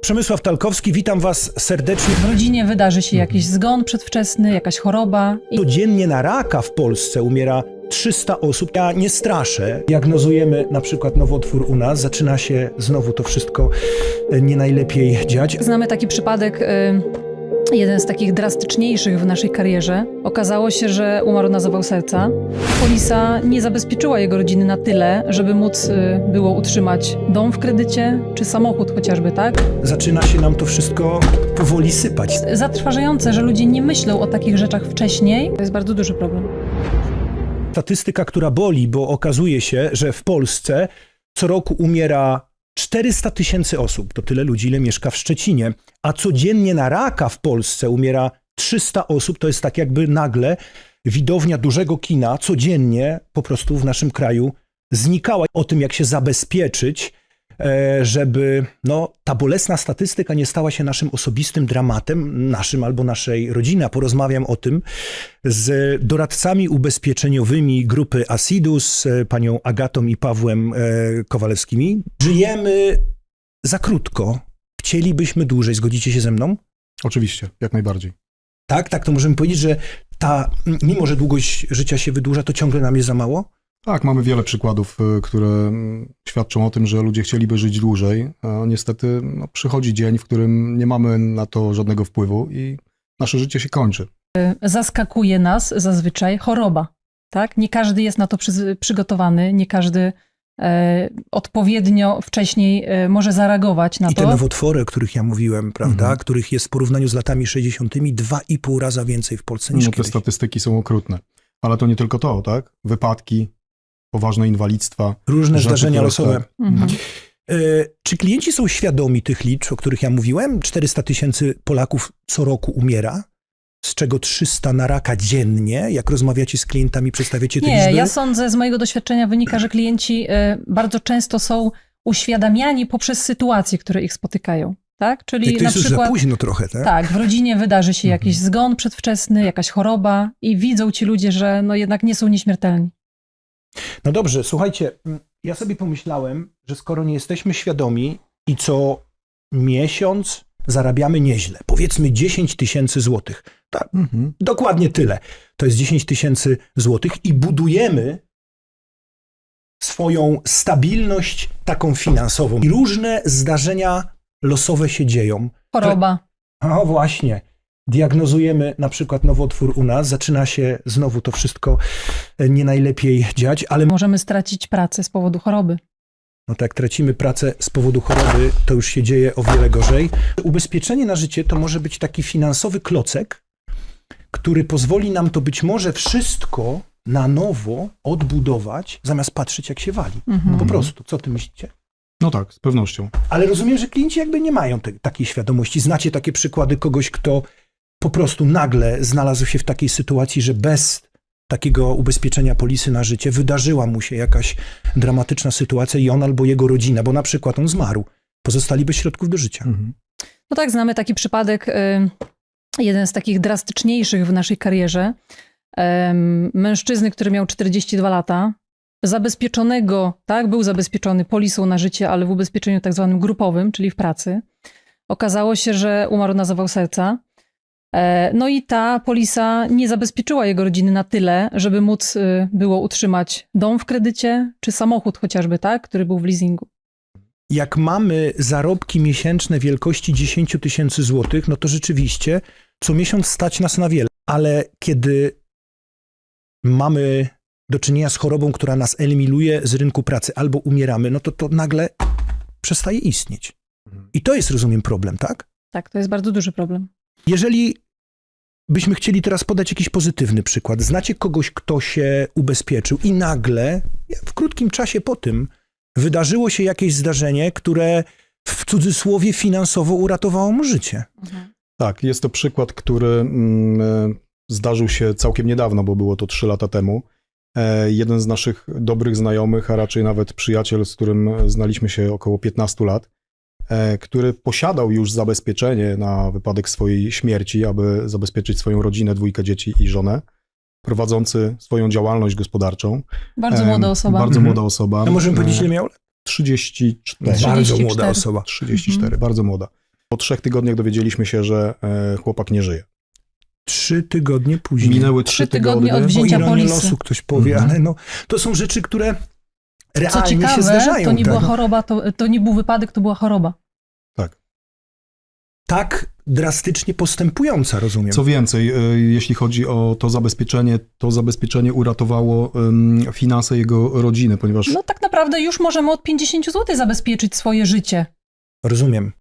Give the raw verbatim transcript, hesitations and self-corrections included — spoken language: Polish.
Przemysław Talkowski, witam was serdecznie. W rodzinie wydarzy się jakiś zgon przedwczesny, jakaś choroba. I... Codziennie na raka w Polsce umiera trzysta osób. Ja nie straszę. Diagnozujemy na przykład nowotwór u nas. Zaczyna się znowu to wszystko nie najlepiej dziać. Znamy taki przypadek, y, jeden z takich drastyczniejszych w naszej karierze. Okazało się, że umarł na zawał serca. Polisa nie zabezpieczyła jego rodziny na tyle, żeby móc y, było utrzymać dom w kredycie, czy samochód chociażby, tak? Zaczyna się nam to wszystko powoli sypać. Zatrważające, że ludzie nie myślą o takich rzeczach wcześniej. To jest bardzo duży problem. Statystyka, która boli, bo okazuje się, że w Polsce co roku umiera czterysta tysięcy osób. To tyle ludzi, ile mieszka w Szczecinie. A codziennie na raka w Polsce umiera trzysta osób. To jest tak jakby nagle widownia dużego kina codziennie po prostu w naszym kraju znikała. O tym, jak się zabezpieczyć, żeby no, ta bolesna statystyka nie stała się naszym osobistym dramatem, naszym albo naszej rodziny. A porozmawiam o tym z doradcami ubezpieczeniowymi grupy Asidus, panią Agatą i Pawłem Kowalewskimi. Żyjemy za krótko. Chcielibyśmy dłużej. Zgodzicie się ze mną? Oczywiście, jak najbardziej. Tak, tak, to możemy powiedzieć, że ta, mimo że długość życia się wydłuża, to ciągle nam jest za mało? Tak, mamy wiele przykładów, które świadczą o tym, że ludzie chcieliby żyć dłużej, a niestety no, przychodzi dzień, w którym nie mamy na to żadnego wpływu i nasze życie się kończy. Zaskakuje nas zazwyczaj choroba, tak? Nie każdy jest na to przy, przygotowany, nie każdy e, odpowiednio wcześniej e, może zareagować na I to. te nowotwory, o których ja mówiłem, prawda, Mhm. których jest w porównaniu z latami sześćdziesiątymi dwa i pół raza więcej w Polsce niż No, te kiedyś. statystyki są okrutne. Ale to nie tylko to, tak? Wypadki, poważne inwalidztwa. Różne rzeczy, zdarzenia które- losowe. tak. Mhm. E, czy klienci są świadomi tych liczb, o których ja mówiłem? czterysta tysięcy Polaków co roku umiera, z czego trzysta na raka dziennie. Jak rozmawiacie z klientami, przedstawiacie te Nie, liczby? ja sądzę, z mojego doświadczenia wynika, że klienci e, bardzo często są uświadamiani poprzez sytuacje, które ich spotykają. Tak? Czyli Jak to na jest już za przykład późno trochę, tak? tak, w rodzinie wydarzy się jakiś zgon przedwczesny, jakaś choroba i widzą ci ludzie, że no jednak nie są nieśmiertelni. No dobrze, słuchajcie, ja sobie pomyślałem, że skoro nie jesteśmy świadomi i co miesiąc zarabiamy nieźle, powiedzmy dziesięć tysięcy złotych, tak, Mhm. dokładnie tyle, to jest dziesięć tysięcy złotych i budujemy swoją stabilność taką finansową. I różne zdarzenia losowe się dzieją. Choroba. O właśnie, diagnozujemy na przykład nowotwór u nas, zaczyna się znowu to wszystko nie najlepiej dziać, ale Możemy stracić pracę z powodu choroby. no tak, tracimy pracę z powodu choroby, to już się dzieje o wiele gorzej. Ubezpieczenie na życie to może być taki finansowy klocek, który pozwoli nam to być może wszystko na nowo odbudować, zamiast patrzeć, jak się wali. Mhm. Po prostu, co ty myślicie? No tak, z pewnością. Ale rozumiem, że klienci jakby nie mają te, takiej świadomości. Znacie takie przykłady kogoś, kto po prostu nagle znalazł się w takiej sytuacji, że bez takiego ubezpieczenia polisy na życie wydarzyła mu się jakaś dramatyczna sytuacja i on albo jego rodzina, bo na przykład on zmarł, pozostali bez środków do życia. Mhm. No tak, znamy taki przypadek, y, jeden z takich drastyczniejszych w naszej karierze. Em, Mężczyzny, który miał czterdzieści dwa lata, zabezpieczonego, tak, był zabezpieczony polisą na życie, ale w ubezpieczeniu tak zwanym grupowym, czyli w pracy. Okazało się, że umarł na zawał serca. E, No i ta polisa nie zabezpieczyła jego rodziny na tyle, żeby móc y, było utrzymać dom w kredycie, czy samochód chociażby, tak, który był w leasingu. Jak mamy zarobki miesięczne wielkości dziesięć tysięcy złotych, no to rzeczywiście co miesiąc stać nas na wiele. Ale kiedy mamy do czynienia z chorobą, która nas eliminuje z rynku pracy albo umieramy, no to to nagle przestaje istnieć. I to jest, rozumiem, problem, tak? Tak, to jest bardzo duży problem. Jeżeli byśmy chcieli teraz podać jakiś pozytywny przykład, znacie kogoś, kto się ubezpieczył i nagle, w krótkim czasie po tym, wydarzyło się jakieś zdarzenie, które w cudzysłowie finansowo uratowało mu życie. Tak, jest to przykład, który mm, zdarzył się całkiem niedawno, bo było to trzy lata temu. E, jeden z naszych dobrych znajomych, a raczej nawet przyjaciel, z którym znaliśmy się około piętnastu lat, e, który posiadał już zabezpieczenie na wypadek swojej śmierci, aby zabezpieczyć swoją rodzinę, dwójkę dzieci i żonę, prowadzący swoją działalność gospodarczą. Bardzo E, młoda osoba. Bardzo Mhm. młoda osoba. A możemy powiedzieć, E, ile miał lat? trzydzieści cztery. trzydzieści Bardzo cztery. młoda osoba. trzydzieści cztery, Mhm. bardzo młoda. Po trzech tygodniach dowiedzieliśmy się, że e, chłopak nie żyje. Trzy tygodnie później. Minęły Trzy trzy tygodnie tygodnie. od O wzięcia ironię polisy. losu ktoś powie, Mhm. ale no, to są rzeczy, które Co realnie się ciekawe, zdarzają. to nie tak? była choroba, to, to nie był wypadek, to była choroba. Tak. Tak drastycznie postępująca, rozumiem. Co więcej, e, jeśli chodzi o to zabezpieczenie, to zabezpieczenie uratowało em, finanse jego rodziny, ponieważ No tak naprawdę już możemy od pięćdziesiąt złotych zabezpieczyć swoje życie. Rozumiem.